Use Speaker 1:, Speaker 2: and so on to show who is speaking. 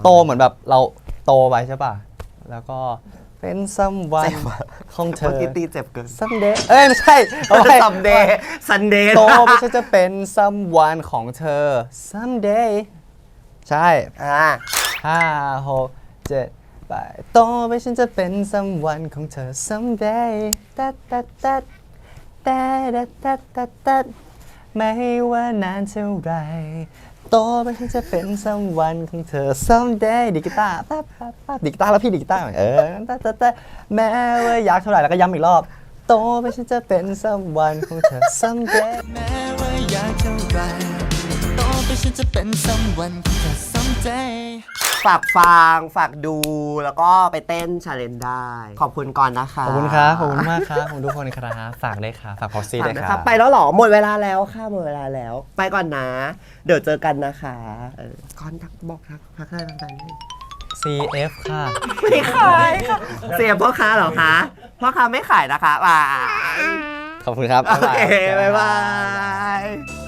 Speaker 1: โตเหมือนแบบเราโตไปใช่ป่ะแล้วก็เป็น someone ของเธ
Speaker 2: เมื่อ
Speaker 1: อ
Speaker 2: กี้ตีเจ็บเกิน
Speaker 1: someday เอ้ยไม่ใช่เอาไป
Speaker 2: Sunday
Speaker 1: โตไปฉันจะเป็น someone ของเธอ someday ใช่ 5 6 7 8โตไปฉันจะเป็น someone ของเธอ someday ตัดตัดตัดตัดตัดตัดตัดไม่ว่านานเท่าไรโตไปฉันจะเป็น someone ของเธอ someday ดีดกีตาร์ปั๊บปั๊บปั๊บดีดกีตาร์แล้วพี่ดีดกีตาร์ตัดตัดตัดแม้ว่ายากเท่าไหร่แล้วก็ย้ำอีกรอบโตไปฉันจะเป็น someone ของเธอ someday
Speaker 3: แม้ว่าอยากเท่าไรโตไปฉันจะเป็น someone ของเธอ someday
Speaker 2: ฝากฟังฝากดูแล้วก็ไปเต้นชาเลนจ์ได้ ขอบคุณก่อนนะคะ
Speaker 1: ขอบคุณครับ ขอบคุณมากครับขอบคุณทุกคนครับฝากด้วยครับฝากพ็อกซี่
Speaker 2: ฝาก
Speaker 1: ด้วย
Speaker 2: นะ
Speaker 1: ค
Speaker 2: ค
Speaker 1: รั
Speaker 2: รับบ ไปแล้วเหรอหมดเวลาแล้วค่ะหมดเวลาแล้ว ไปก่อนนะ เดี๋ยวเจอกันนะคะก่อนทักบอกทักทายแฟนๆ
Speaker 1: CF ค่ะ
Speaker 2: ไม่ขายค่ะเสียพ่อค้าเหรอคะพ่อค้าไม่ขายนะคะบาย
Speaker 1: ขอบคุณครับ
Speaker 2: โอเค
Speaker 1: บ๊ายบาย
Speaker 2: บ๊ายบาย